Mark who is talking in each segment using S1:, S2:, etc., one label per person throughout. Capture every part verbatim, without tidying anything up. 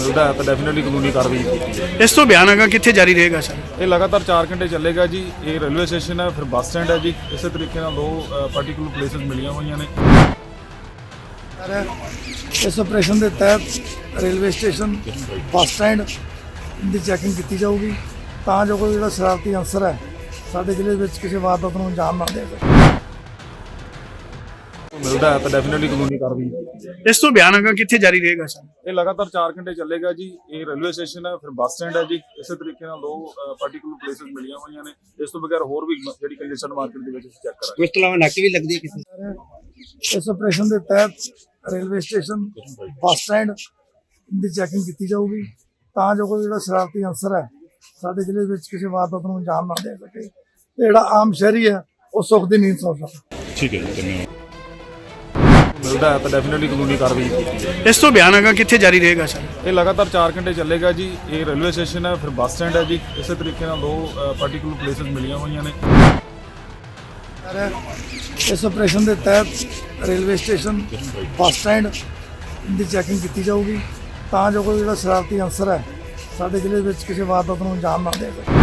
S1: ਮਿਲਦਾ ਹੈ ਤਾਂ ਡੈਫੀਨਿਟਲੀ ਕਾਨੂੰਨੀ ਕਾਰਵਾਈ ਕੀਤੀ ਹੈ।
S2: ਇਸ ਤੋਂ ਬਿਆਨ ਹੈਗਾ ਕਿੱਥੇ ਜਾਰੀ ਰਹੇਗਾ ਸਰ?
S1: ਇਹ ਲਗਾਤਾਰ ਚਾਰ ਘੰਟੇ ਚੱਲੇਗਾ ਜੀ। ਇਹ ਰੇਲਵੇ ਸਟੇਸ਼ਨ ਹੈ, ਫਿਰ ਬੱਸ ਸਟੈਂਡ ਹੈ ਜੀ। ਇਸੇ ਤਰੀਕੇ ਨਾਲ ਦੋ ਪਾਰਟੀਕੂਲਰ ਪਲੇਸਿਸ ਮਿਲੀਆਂ ਹੋਈਆਂ ਨੇ।
S3: ਇਸ ਆਪਰੇਸ਼ਨ ਦੇ ਤਹਿਤ ਰੇਲਵੇ ਸਟੇਸ਼ਨ, ਬੱਸ ਸਟੈਂਡ ਦੀ ਚੈਕਿੰਗ ਕੀਤੀ ਜਾਊਗੀ ਤਾਂ ਜੋ ਕੋਈ ਜਿਹੜਾ ਸ਼ਰਾਰਤੀ ਅਨਸਰ ਹੈ ਸਾਡੇ ਜ਼ਿਲ੍ਹੇ ਵਿੱਚ ਕਿਸੇ ਵਾਰਦਾਤ ਨੂੰ ਅੰਜਾਮ ਨਾ ਦੇ ਸਕੇ।
S1: ਮਿਲਦਾ ਹੈ ਤਾਂ ਡੈਫੀਨਿਟਲੀ ਕਾਨੂੰਨੀ ਕਾਰਵਾਈ ਕੀਤੀ ਹੈ।
S2: ਇਸ ਤੋਂ ਬਿਆਨ ਹੈਗਾ ਕਿੱਥੇ ਜਾਰੀ ਰਹੇਗਾ ਸਰ?
S1: ਇਹ ਲਗਾਤਾਰ ਚਾਰ ਘੰਟੇ ਚੱਲੇਗਾ ਜੀ। ਇਹ ਰੇਲਵੇ ਸਟੇਸ਼ਨ ਹੈ, ਫਿਰ ਬੱਸ ਸਟੈਂਡ ਹੈ ਜੀ। ਇਸੇ ਤਰੀਕੇ ਨਾਲ ਦੋ ਪਾਰਟੀਕੂਲਰ ਪਲੇਸਿਸ ਮਿਲੀਆਂ ਹੋਈਆਂ ਨੇ। ਇਸ ਤੋਂ ਬਗੈਰ ਹੋਰ ਵੀ ਜਿਹੜੀ ਕੰਜੈਸ਼ਨ ਮਾਰਕੀਟ ਦੇ ਵਿੱਚ ਚੈੱਕ ਕਰਾਂਗੇ।
S2: ਇਸ ਤੋਂ ਇਲਾਵਾ ਨਾਕੇ ਵੀ ਲੱਗਦੀ ਹੈ ਕਿਸੇ?
S3: ਇਸ ਆਪਰੇਸ਼ਨ ਦੇ ਤਹਿਤ ਰੇਲਵੇ ਸਟੇਸ਼ਨ, ਬੱਸ ਸਟੈਂਡ ਦੀ ਚੈਕਿੰਗ ਕੀਤੀ ਜਾਊਗੀ ਤਾਂ ਜੋ ਕੋਈ ਜਿਹੜਾ ਸ਼ਰਾਰਤੀ ਅਨਸਰ ਹੈ ਸਾਡੇ ਜ਼ਿਲ੍ਹੇ ਵਿੱਚ ਕਿਸੇ ਵਾਰਦਾਤ ਨੂੰ ਅੰਜਾਮ ਨਾ ਦੇ ਸਕੇ ਤੇ ਜਿਹੜਾ ਆਮ ਸ਼ਹਿਰੀ ਹੈ ਉਹ ਸੁੱਖ ਦੀ ਨੀਂਦ ਸੌ ਸਕੇ।
S1: ਠੀਕ ਹੈ ਜੀ, ਧੰਨਵਾਦ। ਮਿਲਦਾ ਹੈ ਤਾਂ ਡੈਫੀਨਿਟਲੀ ਕਾਨੂੰਨੀ ਕਾਰਵਾਈ ਕੀਤੀ ਹੈ।
S2: ਇਸ ਤੋਂ ਬਿਆਨ ਹੈਗਾ ਕਿੱਥੇ ਜਾਰੀ ਰਹੇਗਾ ਸਰ?
S1: ਇਹ ਲਗਾਤਾਰ ਚਾਰ ਘੰਟੇ ਚੱਲੇਗਾ ਜੀ। ਇਹ ਰੇਲਵੇ ਸਟੇਸ਼ਨ ਹੈ, ਫਿਰ ਬੱਸ ਸਟੈਂਡ ਹੈ ਜੀ। ਇਸੇ ਤਰੀਕੇ ਨਾਲ ਦੋ ਪਾਰਟੀਕੂਲਰ ਪਲੇਸਿਸ ਮਿਲੀਆਂ ਹੋਈਆਂ ਨੇ।
S3: ਇਸ ਆਪਰੇਸ਼ਨ ਦੇ ਤਹਿਤ ਰੇਲਵੇ ਸਟੇਸ਼ਨ, ਬੱਸ ਸਟੈਂਡ ਦੀ ਚੈਕਿੰਗ ਕੀਤੀ ਜਾਊਗੀ ਤਾਂ ਜੋ ਕੋਈ ਜਿਹੜਾ ਸ਼ਰਾਰਤੀ ਅਨਸਰ ਹੈ ਸਾਡੇ ਜ਼ਿਲ੍ਹੇ ਵਿੱਚ ਕਿਸੇ ਵਾਰਦਾਤ ਨੂੰ ਅੰਜਾਮ ਨਾ ਦੇ ਸਕੇ।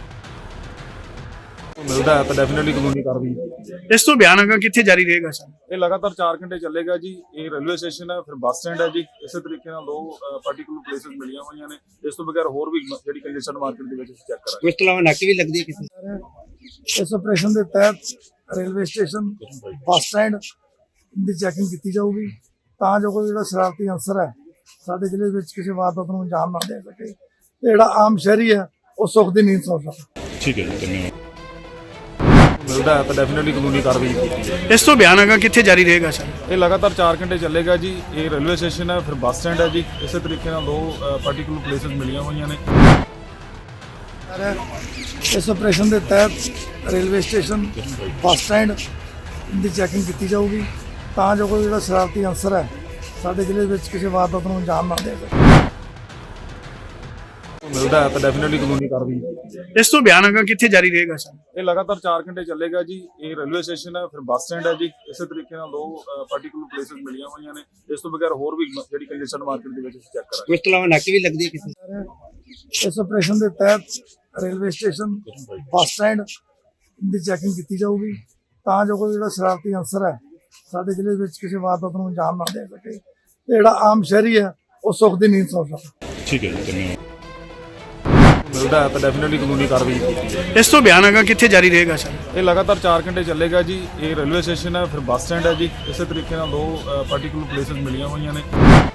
S1: ਮਿਲਦਾ ਹੈ ਤਾਂ ਡੈਫੀਨਿਟਲੀ ਕਾਨੂੰਨੀ ਕਾਰਵਾਈ ਕੀਤੀ ਹੈ।
S2: ਇਸ ਤੋਂ ਬਿਆਨ ਹੈਗਾ ਕਿੱਥੇ ਜਾਰੀ ਰਹੇਗਾ ਸਰ?
S1: ਇਹ ਲਗਾਤਾਰ ਚਾਰ ਘੰਟੇ ਚੱਲੇਗਾ ਜੀ। ਇਹ ਰੇਲਵੇ ਸਟੇਸ਼ਨ ਹੈ, ਫਿਰ ਬੱਸ ਸਟੈਂਡ ਹੈ ਜੀ। ਇਸੇ ਤਰੀਕੇ ਨਾਲ ਦੋ ਪਾਰਟੀਕੂਲਰ ਪਲੇਸਿਸ ਮਿਲੀਆਂ ਹੋਈਆਂ ਨੇ। ਇਸ ਤੋਂ ਬਗੈਰ ਹੋਰ ਵੀ ਜਿਹੜੀ ਕੰਜੈਸ਼ਨ ਮਾਰਕੀਟ ਦੇ ਵਿੱਚ ਚੈੱਕ ਕਰਾਂਗੇ।
S2: ਇਸ ਤੋਂ ਇਲਾਵਾ ਨਾਕੇ ਵੀ ਲੱਗਦੀ ਹੈ ਕਿਸੇ?
S3: ਇਸ ਆਪਰੇਸ਼ਨ ਦੇ ਤਹਿਤ ਰੇਲਵੇ ਸਟੇਸ਼ਨ, ਬੱਸ ਸਟੈਂਡ ਦੀ ਚੈਕਿੰਗ ਕੀਤੀ ਜਾਊਗੀ ਤਾਂ ਜੋ ਕੋਈ ਜਿਹੜਾ ਸ਼ਰਾਰਤੀ ਅਨਸਰ ਹੈ ਸਾਡੇ ਜ਼ਿਲ੍ਹੇ ਵਿੱਚ ਕਿਸੇ ਵਾਰਦਾਤ ਨੂੰ ਅੰਜਾਮ ਨਾ ਦੇ ਸਕੇ ਤੇ ਜਿਹੜਾ ਆਮ ਸ਼ਹਿਰੀ ਹੈ ਉਹ ਸੁੱਖ ਦੀ ਨੀਂਦ ਸੌ ਸਕੇ।
S1: ਠੀਕ ਹੈ ਜੀ, ਧੰਨਵਾਦ। ਮਿਲਦਾ ਹੈ ਤਾਂ ਡੈਫੀਨਿਟਲੀ ਕਾਨੂੰਨੀ ਕਾਰਵਾਈ ਕੀਤੀ ਹੈ।
S2: ਇਸ ਤੋਂ ਬਿਆਨ ਹੈਗਾ ਕਿੱਥੇ ਜਾਰੀ ਰਹੇਗਾ ਸਰ?
S1: ਇਹ ਲਗਾਤਾਰ ਚਾਰ ਘੰਟੇ ਚੱਲੇਗਾ ਜੀ। ਇਹ ਰੇਲਵੇ ਸਟੇਸ਼ਨ ਹੈ, ਫਿਰ ਬੱਸ ਸਟੈਂਡ ਹੈ ਜੀ। ਇਸੇ ਤਰੀਕੇ ਨਾਲ ਦੋ ਪਾਰਟੀਕੂਲਰ ਪਲੇਸਿਸ ਮਿਲੀਆਂ ਹੋਈਆਂ ਨੇ।
S3: ਇਸ ਆਪਰੇਸ਼ਨ ਦੇ ਤਹਿਤ ਰੇਲਵੇ ਸਟੇਸ਼ਨ, ਬੱਸ ਸਟੈਂਡ ਦੀ ਚੈਕਿੰਗ ਕੀਤੀ ਜਾਊਗੀ ਤਾਂ ਜੋ ਕੋਈ ਜਿਹੜਾ ਸ਼ਰਾਰਤੀ ਅਨਸਰ ਹੈ ਸਾਡੇ ਜ਼ਿਲ੍ਹੇ ਵਿੱਚ ਕਿਸੇ ਵਾਰਦਾਤ ਨੂੰ ਅੰਜਾਮ ਨਾ ਦੇ ਸਕੇ।
S1: ਮਿਲਦਾ ਹੈ ਤਾਂ ਡੈਫੀਨਿਟਲੀ ਕਾਨੂੰਨੀ ਕਾਰਵਾਈ ਕੀਤੀ ਹੈ।
S2: ਇਸ ਤੋਂ ਬਿਆਨ ਹੈਗਾ ਕਿੱਥੇ ਜਾਰੀ ਰਹੇਗਾ ਸਰ?
S1: ਇਹ ਲਗਾਤਾਰ ਚਾਰ ਘੰਟੇ ਚੱਲੇਗਾ ਜੀ। ਇਹ ਰੇਲਵੇ ਸਟੇਸ਼ਨ ਹੈ, ਫਿਰ ਬੱਸ ਸਟੈਂਡ ਹੈ ਜੀ। ਇਸੇ ਤਰੀਕੇ ਨਾਲ ਦੋ ਪਾਰਟੀਕੂਲਰ ਪਲੇਸਿਸ ਮਿਲੀਆਂ ਹੋਈਆਂ ਨੇ। ਇਸ ਤੋਂ ਬਗੈਰ ਹੋਰ ਵੀ ਜਿਹੜੀ ਕੰਜੈਸ਼ਨ ਮਾਰਕੀਟ ਦੇ ਵਿੱਚ ਚੈੱਕ ਕਰਾਂਗੇ।
S2: ਇਸ ਤੋਂ ਇਲਾਵਾ ਨਾਕੇ ਵੀ ਲੱਗਦੀ ਹੈ ਕਿਸੇ?
S3: ਇਸ ਆਪਰੇਸ਼ਨ ਦੇ ਤਹਿਤ ਰੇਲਵੇ ਸਟੇਸ਼ਨ, ਬੱਸ ਸਟੈਂਡ ਦੀ ਚੈਕਿੰਗ ਕੀਤੀ ਜਾਊਗੀ ਤਾਂ ਜੋ ਕੋਈ ਜਿਹੜਾ ਸ਼ਰਾਰਤੀ ਅਨਸਰ ਹੈ ਸਾਡੇ ਜ਼ਿਲ੍ਹੇ ਵਿੱਚ ਕਿਸੇ ਵਾਰਦਾਤ ਨੂੰ ਅੰਜਾਮ ਨਾ ਦੇ ਸਕੇ ਤੇ ਜਿਹੜਾ ਆਮ ਸ਼ਹਿਰੀ ਹੈ ਉਹ ਸੁੱਖ ਦੀ ਨੀਂਦ ਸੌ ਸਕੇ।
S1: ਠੀਕ ਹੈ ਜੀ, ਧੰਨਵਾਦ। ਮਿਲਦਾ ਹੈ ਤਾਂ ਡੈਫੀਨਿਟਲੀ ਕਾਨੂੰਨੀ ਕਾਰਵਾਈ ਕੀਤੀ ਹੈ।
S2: ਇਸ ਤੋਂ ਬਿਆਨ ਹੈਗਾ ਕਿੱਥੇ ਜਾਰੀ ਰਹੇਗਾ ਸਰ?
S1: ਇਹ ਲਗਾਤਾਰ ਚਾਰ ਘੰਟੇ ਚੱਲੇਗਾ ਜੀ। ਇਹ ਰੇਲਵੇ ਸਟੇਸ਼ਨ ਹੈ, ਫਿਰ ਬੱਸ ਸਟੈਂਡ ਹੈ ਜੀ। ਇਸੇ ਤਰੀਕੇ ਨਾਲ ਦੋ ਪਾਰਟੀਕੂਲਰ ਪਲੇਸਿਸ ਮਿਲੀਆਂ ਹੋਈਆਂ ਨੇ।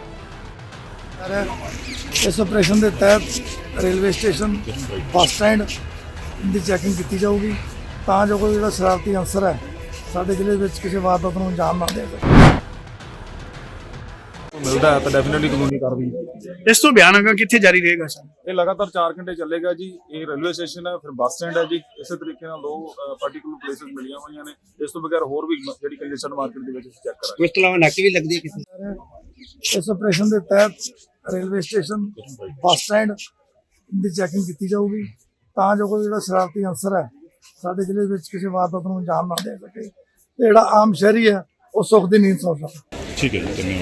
S3: ਇਸ ਆਪਰੇਸ਼ਨ ਦੇ ਤਹਿਤ ਰੇਲਵੇ ਸਟੇਸ਼ਨ, ਬੱਸ ਸਟੈਂਡ ਦੀ ਚੈਕਿੰਗ ਕੀਤੀ ਜਾਊਗੀ ਤਾਂ ਜੋ ਕੋਈ ਜਿਹੜਾ ਸ਼ਰਾਰਤੀ ਅਨਸਰ ਹੈ ਸਾਡੇ ਜ਼ਿਲ੍ਹੇ ਵਿੱਚ ਕਿਸੇ ਵਾਰਦਾਤ ਨੂੰ ਅੰਜਾਮ ਨਾ ਦੇ ਸਕੇ।
S1: ਮਿਲਦਾ ਹੈ ਤਾਂ ਡੈਫੀਨਿਟਲੀ ਕਾਨੂੰਨੀ ਕਾਰਵਾਈ ਕੀਤੀ ਹੈ।
S2: ਇਸ ਤੋਂ ਬਿਆਨ ਹੈਗਾ ਕਿੱਥੇ ਜਾਰੀ ਰਹੇਗਾ ਸਰ?
S1: ਇਹ ਲਗਾਤਾਰ ਚਾਰ ਘੰਟੇ ਚੱਲੇਗਾ ਜੀ। ਇਹ ਰੇਲਵੇ ਸਟੇਸ਼ਨ ਹੈ, ਫਿਰ ਬੱਸ ਸਟੈਂਡ ਹੈ ਜੀ। ਇਸੇ ਤਰੀਕੇ ਨਾਲ ਦੋ ਪਾਰਟੀਕੂਲਰ ਪਲੇਸਿਸ ਮਿਲੀਆਂ ਹੋਈਆਂ ਨੇ। ਇਸ ਤੋਂ ਬਗੈਰ ਹੋਰ ਵੀ ਜਿਹੜੀ ਕੰਜੈਸ਼ਨ ਮਾਰਕੀਟ ਦੇ ਵਿੱਚ ਚੈੱਕ ਕਰਾਂਗੇ।
S2: ਇਸ ਤੋਂ ਇਲਾਵਾ ਨਾਕੇ ਵੀ ਲੱਗਦੀ ਹੈ ਕਿਸੇ?
S3: ਇਸ ਆਪਰੇਸ਼ਨ ਦੇ ਤਹਿਤ ਰੇਲਵੇ ਸਟੇਸ਼ਨ, ਬੱਸ ਸਟੈਂਡ ਦੀ ਚੈਕਿੰਗ ਕੀਤੀ ਜਾਊਗੀ ਤਾਂ ਜੋ ਕੋਈ ਜਿਹੜਾ ਸ਼ਰਾਰਤੀ ਅਨਸਰ ਹੈ ਸਾਡੇ ਜ਼ਿਲ੍ਹੇ ਵਿੱਚ ਕਿਸੇ ਵਾਰਦਾਤ ਨੂੰ ਅੰਜਾਮ ਨਾ ਦੇ ਸਕੇ ਤੇ ਜਿਹੜਾ ਆਮ ਸ਼ਹਿਰੀ ਹੈ ਉਹ ਸੁੱਖ ਦੀ ਨੀਂਦ ਸੌ ਸਕੇ।
S1: ਠੀਕ ਹੈ ਜੀ, ਧੰਨਵਾਦ।